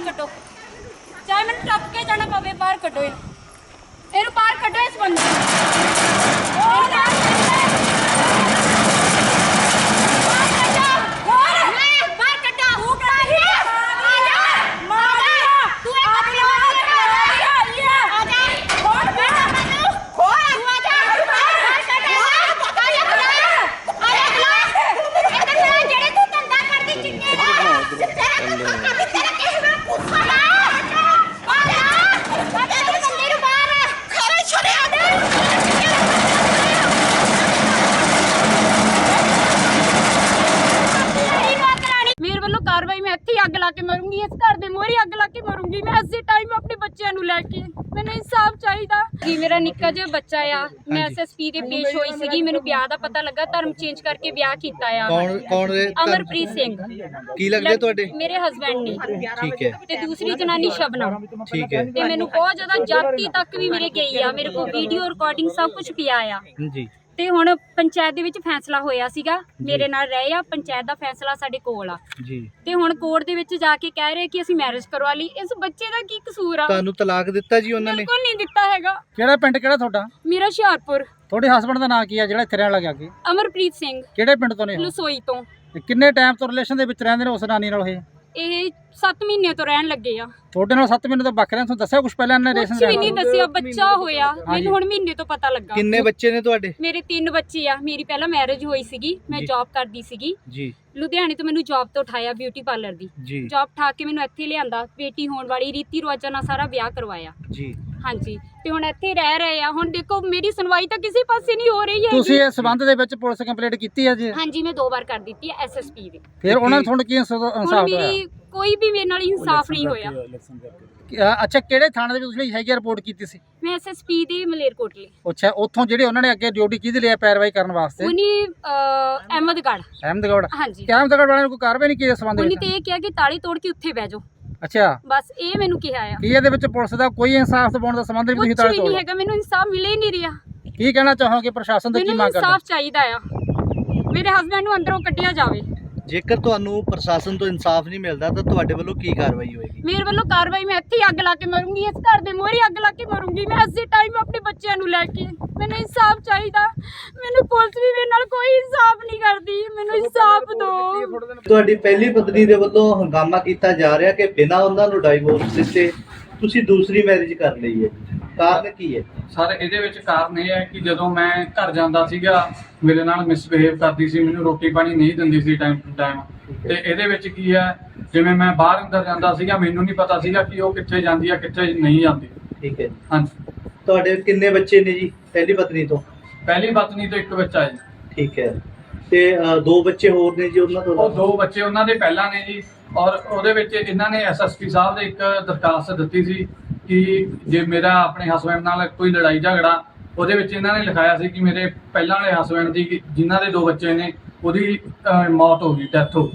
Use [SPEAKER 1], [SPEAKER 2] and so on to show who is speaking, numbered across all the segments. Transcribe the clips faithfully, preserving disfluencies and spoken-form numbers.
[SPEAKER 1] ਕੱਢੋ, ਚਾਹੇ ਮੈਨੂੰ ਟੱਪ ਕੇ ਜਾਣਾ ਪਵੇ, ਬਾਹਰ ਕੱਢੋ ਇਹਨੂੰ, ਇਹਨੂੰ ਬਾਹਰ ਕੱਢੋ ਇਸ ਬੰਦੇ ਨੂੰ। ਉਹ ਨਾ कार्रवाई मैं इत्थे अग ला के मरूंगी, इस घर दे मोहरे अग ला के मरूंगी मैं इस टाइम अपने बच्चों नूं लैके। मैनूं इंसाफ चाहिदा जी। मेरा निक्का जिहा बच्चा आ, मैं एस एस पी दे पेश होई सीगी, मैनूं ब्याह दा पता लगा, धर्म चेंज करके ब्याह कीता आ।
[SPEAKER 2] कौन कौन
[SPEAKER 1] अमरप्रीत सिंह
[SPEAKER 2] की लगदे तुहाडे?
[SPEAKER 1] मेरे हस्बैंड ने।
[SPEAKER 2] ठीक है।
[SPEAKER 1] ते दूसरी जनानी शबनम।
[SPEAKER 2] ठीक है।
[SPEAKER 1] ते मैनूं बहुत ज्यादा जाति तक भी मेरे गई आ, मेरे को वीडियो रिकॉर्डिंग सब कुछ पिया आ
[SPEAKER 2] जी। ਤੇ
[SPEAKER 1] ਹੁਣ ਪੰਚਾਇਤ ਦੇ ਵਿੱਚ ਫੈਸਲਾ ਹੋਇਆ ਸੀਗਾ, ਮੇਰੇ ਨਾਲ ਰਹੇ ਆ, ਪੰਚਾਇਤ ਦਾ ਫੈਸਲਾ ਸਾਡੇ ਕੋਲ ਆ
[SPEAKER 2] ਜੀ। ਤੇ
[SPEAKER 1] ਹੁਣ ਕੋਰਟ ਦੇ ਵਿੱਚ ਜਾ ਕੇ ਕਹਿ ਰਹੇ ਕਿ ਅਸੀਂ ਮੈਰਿਜ ਕਰਵਾ ਲਈ। ਇਸ ਬੱਚੇ ਦਾ ਕੀ ਕਸੂਰ ਆ?
[SPEAKER 2] ਤੁਹਾਨੂੰ ਤਲਾਕ ਦਿੱਤਾ ਜੀ ਉਹਨਾਂ ਨੇ?
[SPEAKER 1] ਬਿਲਕੁਲ ਨਹੀਂ ਦਿੱਤਾ ਹੈਗਾ।
[SPEAKER 3] ਕਿਹੜਾ ਪਿੰਡ ਕਿਹੜਾ ਤੁਹਾਡਾ?
[SPEAKER 1] ਮੇਰਾ ਹੁਸ਼ਿਆਰਪੁਰ।
[SPEAKER 3] ਤੁਹਾਡੇ ਹਸਬੰਡ ਦਾ ਨਾਂ ਕੀ ਆ ਜਿਹੜਾ ਇੱਥੇ ਰਹਿਣ ਲੱਗਾ ਕੇ?
[SPEAKER 1] ਅਮਰਪ੍ਰੀਤ ਸਿੰਘ।
[SPEAKER 3] ਕਿਹੜੇ ਪਿੰਡ ਤੋਂ ਨੇ?
[SPEAKER 1] ਲਸੋਈ ਤੋਂ।
[SPEAKER 3] ਕਿੰਨੇ ਟਾਈਮ ਤੋਂ ਰਿਲੇਸ਼ਨ ਦੇ ਵਿੱਚ ਰਹਿੰਦੇ ਨੇ ਉਸ ਨਾਨੀ ਨਾਲ? ਇਹ
[SPEAKER 1] ਇਹ ਸੱਤ ਮਹੀਨੇ ਤੋਂ ਰਹਿਣ ਲੱਗੇ ਆ।
[SPEAKER 3] ਤੁਹਾਡੇ ਨਾਲ ਸੱਤ ਮਹੀਨੇ ਤੋਂ ਵੱਖ ਰਹਿਣ, ਤੁਹਾਨੂੰ ਦੱਸਿਆ ਕੁਝ ਪਹਿਲਾਂ ਇਹਨਾਂ ਨੇ?
[SPEAKER 1] ਕੁਝ ਵੀ ਨਹੀਂ ਦੱਸਿਆ, ਬੱਚਾ ਹੋਇਆ ਮੈਨੂੰ ਹੁਣ ਮਹੀਨੇ ਤੋਂ ਪਤਾ ਲੱਗਾ।
[SPEAKER 2] ਕਿੰਨੇ ਬੱਚੇ ਨੇ ਤੁਹਾਡੇ?
[SPEAKER 1] ਮੇਰੇ ਤਿੰਨ ਬੱਚੇ ਆ। ਮੇਰੀ ਪਹਿਲਾਂ ਮੈਰਿਜ ਹੋਈ ਸੀਗੀ, ਮੈਂ ਜੌਬ ਕਰਦੀ ਸੀਗੀ
[SPEAKER 2] ਜੀ।
[SPEAKER 1] ਲੁਧਿਆਣੇ ਤੋਂ ਮੈਨੂੰ ਜੌਬ ਤੋਂ ਉਠਾਇਆ, ਬਿਊਟੀ ਪਾਰਲਰ ਦੀ ਜੌਬ ਠਾ ਕੇ ਮੈਨੂੰ ਇੱਥੇ ਲਿਆਂਦਾ, ਬੇਟੀ ਹੋਣ ਵਾਲੀ ਰੀਤੀ ਰਿਵਾਜਾਂ ਨਾਲ ਸਾਰਾ ਵਿਆਹ ਕਰਵਾਇਆ ਜੀ। ਹਾਂਜੀ, ਤੇ ਹੁਣ ਇੱਥੇ ਰਹਿ ਰਹੇ ਆ। ਹੁਣ ਦੇਖੋ ਮੇਰੀ ਸੁਣਵਾਈ ਤਾਂ ਕਿਸੇ ਪਾਸੇ ਨਹੀਂ ਹੋ ਰਹੀ ਹੈ।
[SPEAKER 3] ਤੁਸੀਂ ਇਸ ਸੰਬੰਧ ਦੇ ਵਿੱਚ ਪੁਲਿਸ ਕੰਪਲੇਂਟ ਕੀਤੀ ਹੈ ਜੀ?
[SPEAKER 1] ਹਾਂਜੀ, ਮੈਂ ਦੋ ਵਾਰ ਕਰ ਦਿੱਤੀ ਹੈ ਐਸ ਐਸ ਪੀ ਦੀ।
[SPEAKER 3] ਫਿਰ ਉਹਨਾਂ ਨੇ ਤੁਹਾਨੂੰ ਕੀ ਇਨਸਾਫ ਹੋਇਆ?
[SPEAKER 1] ਮੇਰੀ ਕੋਈ ਵੀ ਮੇਰੇ ਨਾਲ ਇਨਸਾਫ ਨਹੀਂ ਹੋਇਆ।
[SPEAKER 3] ਅੱਛਾ, ਕਿਹੜੇ ਥਾਣੇ ਦੇ ਵਿੱਚ ਤੁਸੀਂ ਹੈਗੀ ਰਿਪੋਰਟ ਕੀਤੀ ਸੀ?
[SPEAKER 1] ਮੈਂ ਐਸ ਐਸ ਪੀ ਦੇ ਮਲੇਰਕੋਟਲੇ।
[SPEAKER 3] ਅੱਛਾ, ਉੱਥੋਂ ਜਿਹੜੇ ਉਹਨਾਂ ਨੇ ਅੱਗੇ ਡਿਊਟੀ ਕਿਹਦੇ ਲਈ ਪੈਰਵਾਈ ਕਰਨ ਵਾਸਤੇ?
[SPEAKER 1] ਉਹਨੀ ਅਹਿਮਦਗੜ੍ਹ।
[SPEAKER 3] ਅਹਿਮਦਗੜ੍ਹ?
[SPEAKER 1] ਹਾਂਜੀ।
[SPEAKER 3] ਅਹਿਮਦਗੜ੍ਹ ਵਾਲਿਆਂ ਨੇ ਕੋਈ ਕਾਰਵਾਈ ਨਹੀਂ ਕੀਤੀ ਇਸ ਸੰਬੰਧ ਵਿੱਚ?
[SPEAKER 1] ਉਹਨੇ ਤੇ ਇਹ ਕਿਹਾ ਕਿ ਤਾਲੀ ਤੋੜ ਕੇ ਉੱਥੇ ਬਹਿ ਜਾਓ।
[SPEAKER 3] ਅੱਛਾ,
[SPEAKER 1] ਬਸ ਇਹ ਮੈਨੂੰ ਕਿਹਾ ਆ।
[SPEAKER 3] ਕੀ ਇਹਦੇ ਵਿੱਚ ਪੁਲਿਸ ਦਾ ਕੋਈ ਇਨਸਾਫ ਦਿਵਾਉਣ ਦਾ ਸੰਬੰਧ ਨਹੀਂ? ਤੁਸੀਂ ਤਾਲੀ ਤੋੜ?
[SPEAKER 1] ਨਹੀਂ ਹੈਗਾ, ਮੈਨੂੰ ਇਨਸਾਫ ਮਿਲੇ ਹੀ ਨਹੀਂ ਰਿਹਾ।
[SPEAKER 3] ਕੀ ਕਹਿਣਾ ਚਾਹੋਗੇ ਪ੍ਰਸ਼ਾਸਨ ਤੋਂ? ਕੀ ਮੰਗ ਕਰਦੇ?
[SPEAKER 1] ਇਨਸਾਫ ਚਾਹੀਦਾ ਆ, ਮੇਰੇ ਹਸਬੰਡ ਨੂੰ ਅੰਦਰੋਂ ਕੱਢਿਆ ਜਾਵੇ।
[SPEAKER 2] ਜੇਕਰ ਤੁਹਾਨੂੰ ਪ੍ਰਸ਼ਾਸਨ ਤੋਂ ਇਨਸਾਫ ਨਹੀਂ ਮਿਲਦਾ ਤਾਂ ਤੁਹਾਡੇ ਵੱਲੋਂ ਕੀ ਕਾਰਵਾਈ ਹੋਏਗੀ?
[SPEAKER 1] ਮੇਰੇ ਵੱਲੋਂ ਕਾਰਵਾਈ ਮੈਂ ਇੱਥੇ ਅੱਗ ਲਾ ਕੇ ਮਰੂੰਗੀ, ਇਸ ਘਰ ਦੇ ਮੋਹਰੇ ਅੱਗ ਲਾ ਕੇ ਮਰੂੰਗੀ ਮੈਂ ਇਸੇ ਟਾਈਮ ਆਪਣੇ ਬੱਚਿਆਂ ਨੂੰ ਲੈ ਕੇ। ਮੈਨੂੰ ਇਨਸਾਫ ਚਾਹੀਦਾ, ਮੈਨੂੰ ਪੁਲਿਸ ਵੀ ਮੇਰੇ ਨਾਲ ਕੋਈ ਇਨਸਾਫ ਨਹੀਂ ਕਰਦੀ, ਮੈਨੂੰ ਇਨਸਾਫ ਦਿਓ।
[SPEAKER 2] ਤੁਹਾਡੀ ਪਹਿਲੀ ਪਤਨੀ ਦੇ ਵੱਲੋਂ ਹੰਗਾਮਾ ਕੀਤਾ ਜਾ ਰਿਹਾ ਕਿ ਬਿਨਾਂ ਉਹਨਾਂ ਨੂੰ ਡਾਈਵੋਰਸ ਦਿੱਤੇ ਤੁਸੀਂ ਦੂਸਰੀ ਮੈਰਿਜ ਕਰ ਲਈ ਹੈ, ਕਾਰਨ ਕੀ ਹੈ?
[SPEAKER 4] ਸਰ ਇਹਦੇ ਵਿੱਚ ਕਾਰਨ ਇਹ ਹੈ ਕਿ ਜਦੋਂ ਮੈਂ ਘਰ ਜਾਂਦਾ ਸੀਗਾ ਮੇਰੇ ਨਾਲ ਮਿਸਬਿਹੇਵ ਕਰਦੀ ਸੀ, ਮੈਨੂੰ ਰੋਟੀ ਪਾਣੀ ਨਹੀਂ ਦਿੰਦੀ ਸੀ ਟਾਈਮ ਟੂ ਟਾਈਮ। ਤੇ ਇਹਦੇ ਵਿੱਚ ਕੀ ਹੈ, ਜਿਵੇਂ ਮੈਂ ਬਾਹਰ ਅੰਦਰ ਜਾਂਦਾ ਸੀਗਾ, ਮੈਨੂੰ ਨਹੀਂ ਪਤਾ ਸੀਗਾ ਕਿ ਉਹ ਕਿੱਥੇ ਜਾਂਦੀ ਆ ਕਿੱਥੇ ਨਹੀਂ ਜਾਂਦੀ।
[SPEAKER 2] ਠੀਕ ਹੈ।
[SPEAKER 4] ਹਾਂਜੀ।
[SPEAKER 2] ਤੁਹਾਡੇ ਕਿੰਨੇ ਬੱਚੇ ਨੇ ਜੀ ਪਹਿਲੀ ਪਤਨੀ ਤੋਂ?
[SPEAKER 4] ਪਹਿਲੀ ਪਤਨੀ ਤੋਂ ਇੱਕ ਬੱਚਾ ਹੈ ਜੀ।
[SPEAKER 2] ਠੀਕ ਹੈ। ਤੇ ਦੋ ਬੱਚੇ ਹੋਰ ਨੇ ਜੀ ਉਹਨਾਂ ਤੋਂ?
[SPEAKER 4] ਉਹ ਦੋ ਬੱਚੇ ਉਹਨਾਂ ਦੇ ਪਹਿਲਾਂ ਨੇ ਜੀ, ਔਰ ਉਹਦੇ ਵਿੱਚ ਇਹਨਾਂ ਨੇ ਐਸ ਐਸ ਪੀ ਸਾਹਿਬ ਦੇ ਇੱਕ ਦਰਖਾਸਤ ਦਿੱਤੀ ਸੀ ਕਿ ਜੇ ਮੇਰਾ ਆਪਣੇ ਹਸਬੈਂਡ ਨਾਲ ਕੋਈ ਲੜਾਈ ਝਗੜਾ, ਉਹਦੇ ਵਿੱਚ ਇਹਨਾਂ ਨੇ ਲਿਖਾਇਆ ਸੀ ਕਿ ਮੇਰੇ ਪਹਿਲਾਂ ਵਾਲੇ ਹਸਬੈਂਡ ਦੀ ਜਿਨ੍ਹਾਂ ਦੇ ਦੋ ਬੱਚੇ ਨੇ ਉਹਦੀ ਮੌਤ ਹੋ ਗਈ, ਡੈਥ ਹੋ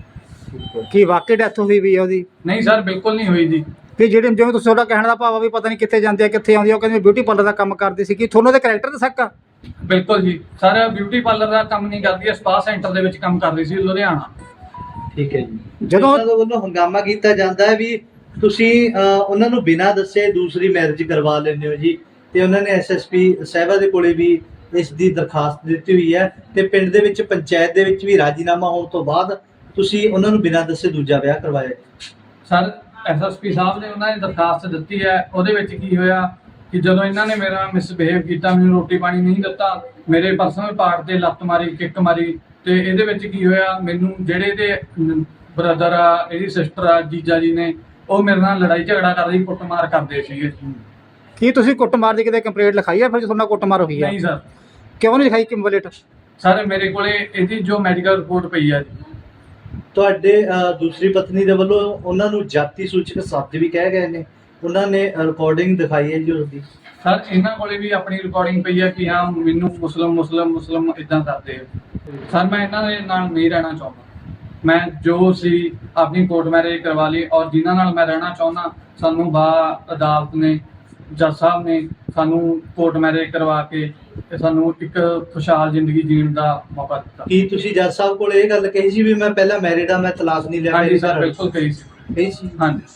[SPEAKER 4] ਗਈ।
[SPEAKER 3] ਕੀ ਵਾਕਈ ਡੈਥ ਹੋਈ ਵੀ ਹੈ ਉਹਦੀ?
[SPEAKER 4] ਨਹੀਂ ਸਰ, ਬਿਲਕੁਲ ਨਹੀਂ ਹੋਈ ਜੀ।
[SPEAKER 3] ਕਿ ਜਿਹੜੇ ਜਿਵੇਂ ਤੁਸੀਂ ਤੁਹਾਡਾ ਕਹਿਣ ਦਾ ਭਾਵ ਆ ਵੀ ਪਤਾ ਨਹੀਂ ਕਿੱਥੇ ਜਾਂਦੇ ਆ ਕਿੱਥੇ ਆਉਂਦੀ ਆ, ਉਹ ਕਹਿੰਦੇ ਬਿਊਟੀ ਪਾਰਲਰ ਦਾ ਕੰਮ ਕਰਦੀ ਸੀ, ਕਿ ਤੁਹਾਨੂੰ ਉਹਦੇ ਕੈਰੈਕਟਰ ਦਾ ਸ਼ੱਕ ਆ?
[SPEAKER 4] ਬਿਲਕੁਲ ਜੀ ਸਰ, ਬਿਊਟੀ ਪਾਰਲਰ ਦਾ ਕੰਮ ਨਹੀਂ ਕਰਦੀ ਹੈ, ਸਪਾ ਸੈਂਟਰ ਦੇ ਵਿੱਚ ਕੰਮ ਕਰਦੀ ਸੀ ਲੁਧਿਆਣਾ।
[SPEAKER 2] ਠੀਕ ਹੈ ਜੀ।
[SPEAKER 3] ਜਦੋਂ
[SPEAKER 2] ਉਹਨਾਂ ਦੇ ਵੱਲੋਂ ਹੰਗਾਮਾ ਕੀਤਾ ਜਾਂਦਾ ਹੈ ਵੀ ਤੁਸੀਂ ਉਹਨਾਂ ਨੂੰ ਬਿਨਾਂ ਦੱਸੇ ਦੂਸਰੀ ਮੈਰਿਜ ਕਰਵਾ ਲੈਂਦੇ ਹੋ ਜੀ, ਤੇ ਉਹਨਾਂ ਨੇ ਐਸ ਐਸ ਪੀ ਸਾਹਿਬਾ ਦੇ ਕੋਲੇ ਵੀ ਇਸ ਦੀ ਦਰਖਾਸਤ ਦਿੱਤੀ ਹੋਈ ਹੈ, ਤੇ ਪਿੰਡ ਦੇ ਵਿੱਚ ਪੰਚਾਇਤ ਦੇ ਵਿੱਚ ਵੀ ਰਾਜੀਨਾਮਾ ਹੋਣ ਤੋਂ ਬਾਅਦ ਤੁਸੀਂ ਉਹਨਾਂ ਨੂੰ ਬਿਨਾਂ ਦੱਸੇ ਦੂਜਾ ਵਿਆਹ ਕਰਵਾਇਆ।
[SPEAKER 4] ਸਰ ਐਸ ਐਸ ਪੀ ਸਾਹਿਬ ਨੇ ਉਹਨਾਂ ਨੇ ਦਰਖਾਸਤ ਦਿੱਤੀ ਹੈ, ਉਹਦੇ ਵਿੱਚ ਕੀ ਹੋਇਆ ਕਿ ਜਦੋਂ ਇਹਨਾਂ ਨੇ ਮੇਰਾ ਮਿਸਬਿਹੇਵ ਕੀਤਾ, ਮੈਨੂੰ ਰੋਟੀ ਪਾਣੀ ਨਹੀਂ ਦਿੱਤਾ, ਮੇਰੇ ਪਰਸਨਲ ਪਾਰਟ ਤੇ ਲੱਤ ਮਾਰੀ, ਕਿੱਕ ਮਾਰੀ, ਤੇ ਇਹਦੇ ਵਿੱਚ ਕੀ ਹੋਇਆ, ਮੈਨੂੰ ਜਿਹੜੇ ਇਹਦੇ ਬ੍ਰਦਰ ਆ, ਇਹਦੀ ਸਿਸਟਰ ਆ, ਜੀਜਾ ਜੀ ਨੇ, ਉਹ ਮੇਰੇ ਨਾਲ ਲੜਾਈ ਝਗੜਾ ਕਰਦੇ ਸੀ, ਕੁੱਟਮਾਰ ਕਰਦੇ ਸੀਗੇ।
[SPEAKER 3] ਕੀ ਤੁਸੀਂ ਕੁੱਟਮਾਰ ਦੀ ਕਿਤੇ ਕੰਪਲੇਂਟ ਲਿਖਾਈ ਹੈ? ਫਿਰ ਤੁਹਾਡਾ ਕੁੱਟਮਾਰ ਹੋਈ ਹੈ?
[SPEAKER 4] ਨਹੀਂ ਸਰ।
[SPEAKER 3] ਕਿਉਂ ਨਹੀਂ ਲਿਖਾਈ ਕੰਪਲੇਂਟ?
[SPEAKER 4] ਸਰ ਮੇਰੇ ਕੋਲੇ ਇਹਦੀ ਜੋ ਮੈਡੀਕਲ ਰਿਪੋਰਟ ਪਈ ਆ ਜੀ।
[SPEAKER 2] ਤੁਹਾਡੇ ਦੂਸਰੀ ਪਤਨੀ ਦੇ ਵੱਲੋਂ ਉਹਨਾਂ ਨੂੰ ਜਾਤੀ ਸੂਚਕ ਸ਼ਬਦ ਵੀ ਕਹਿ ਗਏ ਨੇ, ਉਹਨਾਂ ਨੇ ਰਿਕਾਰਡਿੰਗ ਦਿਖਾਈ ਹੈ ਜੀ ਉਸਦੀ।
[SPEAKER 4] ਸਰ ਇਹਨਾਂ ਕੋਲੇ ਵੀ ਆਪਣੀ ਰਿਕਾਰਡਿੰਗ ਪਈ ਹੈ ਕਿ ਹਾਂ ਮੈਨੂੰ ਮੁਸਲਮ ਮੁਸਲਮ ਮੁਸਲਮ ਇਦਾਂ ਕਰਦੇ ਆ। ਸਰ ਮੈਂ ਇਹਨਾਂ ਦੇ ਨਾਲ ਨਹੀਂ ਰਹਿਣਾ ਚਾਹੁੰਦਾ, ਮੈਂ ਜੋ ਸੀ ਆਪਣੀ ਕੋਰਟ ਮੈਰਿਜ ਕਰਵਾ ਲਈ, ਔਰ ਜਿਨ੍ਹਾਂ ਨਾਲ ਮੈਂ ਰਹਿਣਾ ਚਾਹੁੰਦਾ ਸਾਨੂੰ ਬਾ ਅਦਾਲਤ ਨੇ, ਜੱਜ ਸਾਹਿਬ ਨੇ ਸਾਨੂੰ ਕੋਰਟ ਮੈਰਿਜ ਕਰਵਾ ਕੇ ਤੇ ਸਾਨੂੰ ਇੱਕ ਖੁਸ਼ਹਾਲ ਜ਼ਿੰਦਗੀ ਜੀਣ ਦਾ ਮੌਕਾ ਦਿੱਤਾ।
[SPEAKER 2] ਕੀ ਤੁਸੀਂ ਜੱਜ ਸਾਹਿਬ ਕੋਲ ਇਹ ਗੱਲ ਕਹੀ ਸੀ ਵੀ ਮੈਂ ਪਹਿਲਾਂ ਮੈਰਿਡ ਆ, ਮੈਂ ਤਲਾਕ ਨਹੀਂ ਲਿਆ?
[SPEAKER 4] ਹਾਂਜੀ ਸਰ, ਬਿਲਕੁਲ ਕਹੀ ਸੀ।
[SPEAKER 2] ਕਹੀ ਸੀ?
[SPEAKER 4] ਹਾਂਜੀ।